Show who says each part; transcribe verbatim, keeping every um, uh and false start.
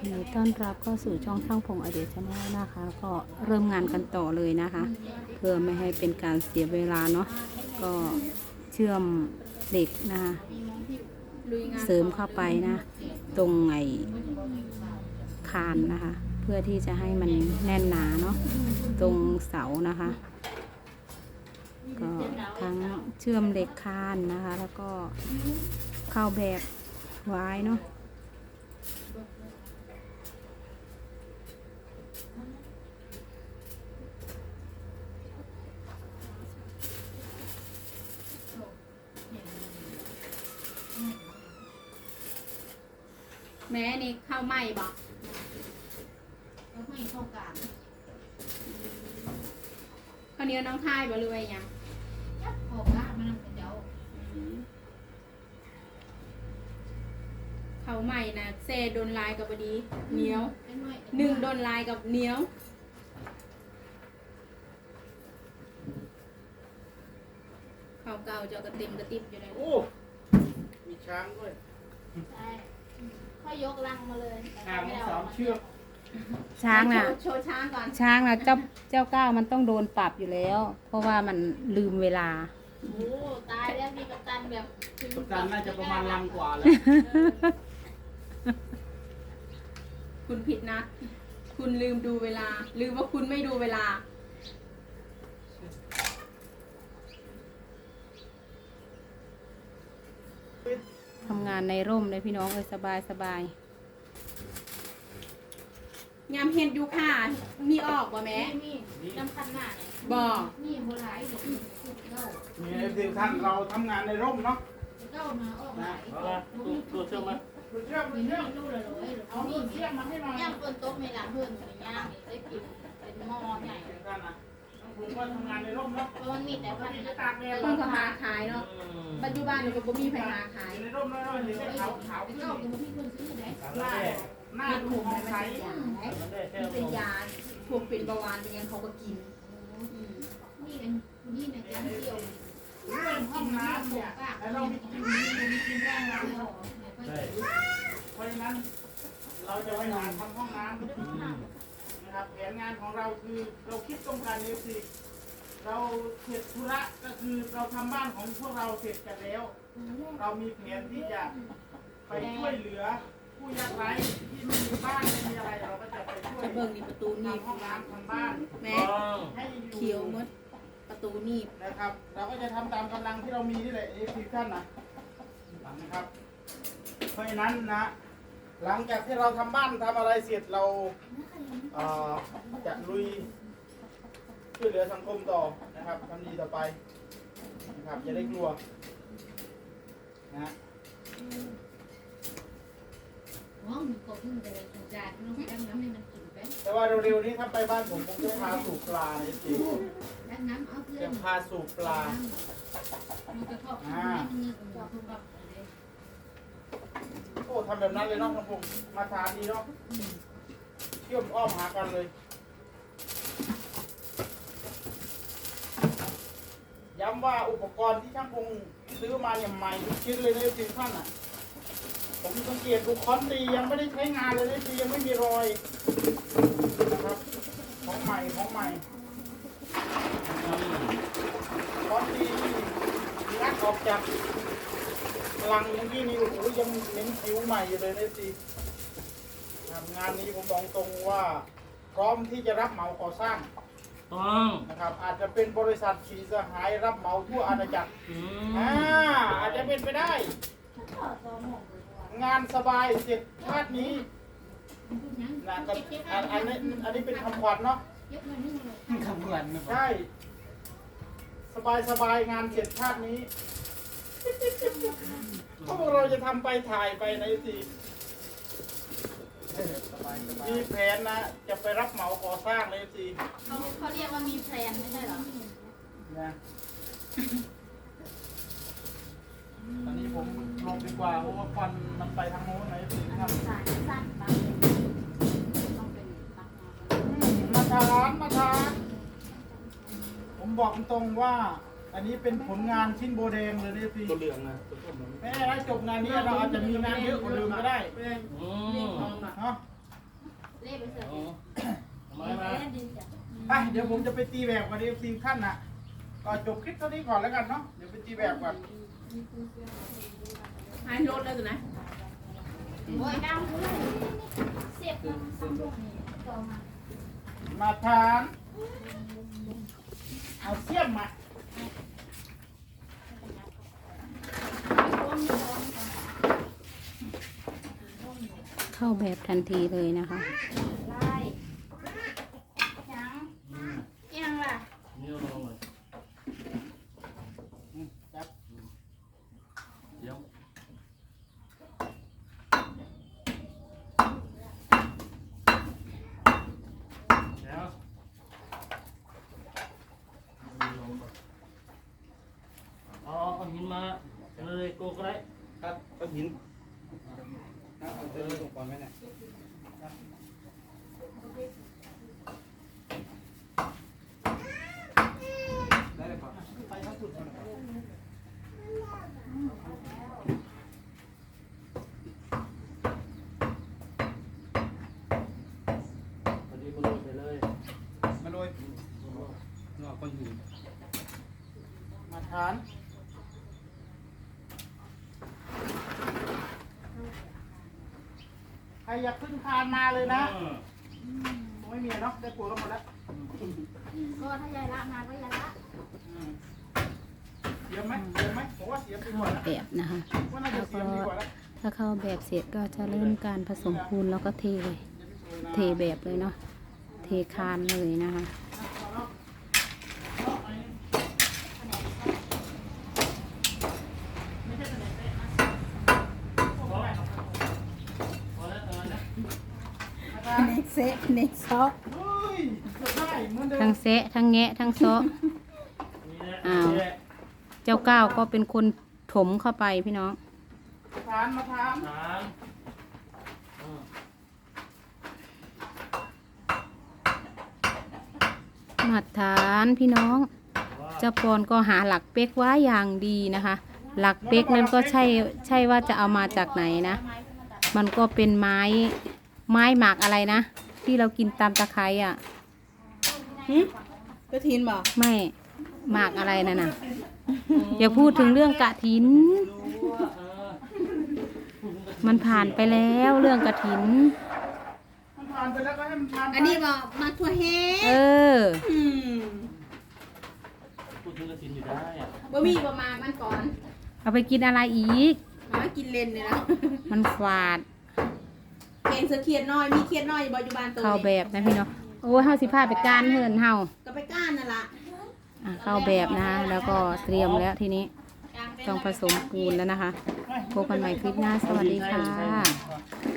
Speaker 1: ยินดีต้อนรับเข้าสู่ช่องช่างพงอเดียชาแนลนะคะ ก็เริ่มงานกันต่อเลยนะคะ เพื่อไม่ให้เป็นการเสียเวลาเนาะก็เชื่อมเหล็กนะคะเสริมเข้าไปนะตรงไอ้คานนะคะ เพื่อที่จะให้มันแน่นหนาเนาะตรงเสานะคะ ก็ทั้งเชื่อมเหล็กคานนะคะ แล้วก็เข้าแบบไว้เนาะ
Speaker 2: แม่นี่ข้าวไหม้บอก
Speaker 3: ก็ไม่เข้ากลาง
Speaker 2: ข้าวเหนียวน้องทายบ่หรือว่าหยัง
Speaker 3: ยับขอบบ้านมันเป็นเจ้า
Speaker 2: ข้าวไหม้นะเซโดนลายกับบดีเหนียว
Speaker 3: เป็นไว้
Speaker 2: หนึ่งโดนลายกับเหนียวข้าวเก่าเจ้ากระเต็มกระติบอยู่เลย
Speaker 4: โอ้ มีช้างด้วย
Speaker 3: ใช่ค่อยยกลังมาเลย
Speaker 4: ช้างสามเชือก
Speaker 1: ช้างน่ะ
Speaker 2: โชว์โชว์ช้างก่อน
Speaker 1: ช้างนะเจ้าเจ้าก้าวมันต้องโดนปรับอยู่แล้ว เพราะว่ามันลืมเวลา
Speaker 3: โอ้ตายแล้วมีกัปตันแบบ
Speaker 4: กัปตันน่าจะประมาณลังกว่าแล้ว
Speaker 2: คุณผิดนะ คุณลืมดูเวลา ลืมว่าคุณไม่ดูเวลา
Speaker 1: ทำงานในร่มเลยพี่น้องเอ้ยสบายสบาย
Speaker 2: ยามเห็ดอยู่ค่ะ มีออกบ่แม่
Speaker 3: มีมีน้ำคันหน้าเนี่ย
Speaker 2: บ่
Speaker 3: มีโบราณเด็กเก้า
Speaker 4: มีเอฟซีท่านเราทำงานในร่มเนาะ
Speaker 3: เก้ามาออกหลาย
Speaker 4: ตัวตัวเชื่อมไหมตัวเชื่อม
Speaker 3: มี
Speaker 4: ตัว
Speaker 3: ไม่
Speaker 4: เชื่อม
Speaker 3: รู้เลยเลย
Speaker 4: เอา
Speaker 3: เอา
Speaker 4: ตัว
Speaker 3: นี่
Speaker 4: เชื่อมมาให้หน่อย
Speaker 3: ย่างคนโต๊ะไม่ล้างเพื่อนอย่างย่างนี่ได้กินเป็นหม้อใหญ่
Speaker 4: ท่านนะผมก็ทำงานในร่มเนาะ
Speaker 3: เพราะมันมีแต่พัน
Speaker 4: จะตากแดด
Speaker 2: คนก็หาขายเนาะ ปัจจุบันนี่ก็บ่มีใครหาขาย
Speaker 4: ในร่มน้อยๆเห็นขาวขาว
Speaker 3: ไป
Speaker 4: ขึ้น
Speaker 3: เก้ากับพี่คนซื้อไหน
Speaker 4: หน้าหน้า
Speaker 2: เห็ด
Speaker 4: ดู
Speaker 2: ขม
Speaker 4: มอ
Speaker 2: มั
Speaker 4: ง
Speaker 2: น
Speaker 4: ใส
Speaker 2: เป็นยามันเป็นยาพวกเป็นเบาหวานเป็นยังเขาก็กิน
Speaker 3: นี่เป็นนี่ในแก๊งเดียว
Speaker 4: เรื่องห้องน้ำเนี่ยแล้วเรามีกินมีกินห้องน้ำเพราะฉะนั้นเราจะไปหาทำห้องน้ำนะครับแผนงานของเราคือเราคิดตรงกันเอฟซีเราเสร็จธุระก็คือเราทำบ้านของพวกเราเสร็จกันแล้ว เรามีแผนที่จะไปช่วยเหลือผู้ยากไร้ที่ไม่มีบ้านไม่มีอะไรเราก็จะไปช่วย
Speaker 2: จะเบิ่งนี่ประตูนี่
Speaker 4: ทำห้องน้ำทำบ้าน
Speaker 2: แม่
Speaker 4: ให้อยู่
Speaker 2: เขียวหมดประตูนี่
Speaker 4: นะครับ เราก็จะทำตามกำลังที่เรามีนี่แหละเอฟซีท่านนะนะครับ เพราะฉะนั้นนะ หลังจากที่เราทำบ้านทำอะไรเสร็จเราเอ่อจะลุยช่วยเหลือสังคมต่อนะครับทำดีต่อไปนะครับอย่าได้กลัวนะ
Speaker 3: ห้องก็เพิ่งจะสงการน้องแก้มน้ำให้มันกินไป
Speaker 4: แต่ว่าเร็วๆนี้ถ้าไปบ้านผมผมจะพาสูบปลาในจริง
Speaker 3: แล้วน้ำเอาเพื่อ
Speaker 4: จะ
Speaker 3: น
Speaker 4: พาสูบปลา
Speaker 3: มันจะทอดให้มันเงือกกับพวกเราเลย
Speaker 4: โอ้ทำแบบนั้นเลยเนาะครับผมมาทานดีเนาะเชื่อมอ้อมหากันเลยย้ำว่าอุปกรณ์ที่ช่างพงซื้อมาเนี่ยใหม่ทุกชิ้นเลยนะจริงท่านอ่ะผมสังเกตดูคอนตียังไม่ได้ใช้งานเลยนะยังไม่มีรอยนะครับของใหม่ของใหม่คอนตีงัดออกจากลังเมื่อกี้นี่โอ้โหยังเน้นคิ้วใหม่อยู่เลยนะจีงานนี้ผมบอกตรงว่าพร้อมที่จะรับเหมาก่อสร้าง
Speaker 5: ต้อง
Speaker 4: นะครับอาจจะเป็นบริษัทสีสหายรับเหมาทั่วอาณาจักร
Speaker 5: อื
Speaker 4: อ่าม อาจจะเป็นไปได้ งานสบายเสร็จชาตินี้นะกับอันอันนี้อันนี้เป็นคำขวัญเนาะ
Speaker 3: เยอะเลยนี่เลย
Speaker 5: คำเหมือนนะ
Speaker 4: ใช่สบายสบายงานเสร็จชาตินี้พวกเราจะทำไปถ่ายไปในสิมีแผนนะจะไปรับเหมาก่อสร้างในสิ
Speaker 3: เขาเขาเรียกว่ามีแพลนไม่ใช่หรอ
Speaker 4: นะตอนนี้ผมลงดีกว่าเพราะว่าควันมันไปทางโน้นในสิครับ
Speaker 3: สายสั้นบางต้องเป็นตักมา
Speaker 4: มาทานมาทานผมบอกตรงว่า อันนี้เป็นผลงานชิ้นโบแดงเลยนี่สิ
Speaker 5: ตัวเหลืองนะตัวส้ม
Speaker 4: แม้ถ้าจบงานนี้เราอาจจะมีงานเยอะกว่าเดิมก็ได้
Speaker 5: อืม
Speaker 4: เนาะ
Speaker 3: เล่ไปเสือ
Speaker 5: เอาเอาไม้มา
Speaker 3: เล่นดินจ้ะ
Speaker 4: ไปเดี๋ยวผมจะไปตีแบบก่อนดีซีขั้นน่ะก็จบคลิปเท่านี้ก่อนแล้วกันเนาะเดี๋ยวไปตีแบบก่อน
Speaker 2: ให้รถแล้วตัวนะ
Speaker 3: โอ้ยดำเลยเสียบมันซ้ำลงนี่ต่อมา
Speaker 4: มาทานเอาเสียมมา
Speaker 1: เข้าแบบทันทีเลยนะคะ
Speaker 3: ไล่ยัง
Speaker 5: อืม
Speaker 3: ยังล่ะ
Speaker 5: นี่เอาลงเลย
Speaker 4: อืมจับ
Speaker 5: เดี๋ยวแล้วเอาเอาหินมาเลยโกก็ได้
Speaker 4: ครับก้อนหินเอาเอาเส้นตรงก่อนไหมเนี่ยได้เลยป่ะไปเข้าสุดก่อน
Speaker 5: พอดีมาลงไปเลย
Speaker 4: มาโรย
Speaker 5: นอกก็อยู่
Speaker 4: มาทานใครอยากขึ้นคานมาเลยนะ
Speaker 5: เออ
Speaker 4: คงไม่มีเนาะได้ปวดกันหมดแล้ว
Speaker 3: ก็ถ้ายายละมาก็ยายละ
Speaker 4: อืมเสียมไหมเสียมไหมผมว่าเสียมดีกว่านะ
Speaker 1: แบบนะคะ
Speaker 4: ว่าน่าจะเสียมดีกว่าแล้ว
Speaker 1: ถ้าเข้าแบบเสร็จก็จะเริ่มการผสมปูนแล้วก็เทเลย เทแบบเลยเนาะ เทคานเลยนะคะ
Speaker 5: พอแล้วตอนนั้น
Speaker 1: เน็กเซะเน็กซอก
Speaker 4: เฮ้ยเกือบได้เหมือนเดิ
Speaker 1: ทั้
Speaker 4: ม
Speaker 1: งเซะทั้งแงะทั้งซอก
Speaker 5: นี่แหละ
Speaker 1: อ้าว
Speaker 5: นี่แหละ
Speaker 1: เจ้าก้าวก็เป็นคนถมเข้าไปพี่น้อง
Speaker 4: ทานมาทาน
Speaker 5: สามเออ
Speaker 1: มาตรฐานพี่น้อง
Speaker 5: ว่า
Speaker 1: เจ้าปอนก็หาหลักเป๊กไว้อย่างดีนะคะ หลักเป๊กนั้นก็ใช่ใช่ว่าจะเอามาจากไหนนะ มันก็เป็นไม้ไม้หมากอะไรนะ ที่เรากินตามตะไคร้อ่ะ
Speaker 2: กระถินบอก
Speaker 1: ไม่หมากอะไรนั่นน่ะ อย่าพูดถึงเรื่องกะถิน
Speaker 5: รู้ว่าเออ
Speaker 1: มันผ่านไปแล้วเรื่องกะถิน
Speaker 4: มันทานไปแล้วก็ให้มันทานไป
Speaker 2: อันนี้บอกมาทั่วแห้
Speaker 1: เออ
Speaker 2: อืม
Speaker 5: พูดถึงกระสินอยู่ได้อะ
Speaker 2: บ่มีประมาณมันก่อน
Speaker 1: เอาไปกินอะไรอีก
Speaker 2: มากินเลนเนี่ยนะ
Speaker 1: มันฝาด
Speaker 2: แกงเสือเขียดน้อยมีเขียดน้อยอยู่ปัจจุบันตัว
Speaker 1: เข้าแบบนะพี่น้องโอ้ยเฮาสิพาไปก้านเหินเฮา
Speaker 2: ก็ไปก้านนั่นล่ะ
Speaker 1: อ่ะเข้าแบบนะคะแล้วก็เตรียมแล้วทีนี้ต้องผสมปูนแล้วนะคะพบกันใหม่คลิปหน้าสวัสดีค่ะ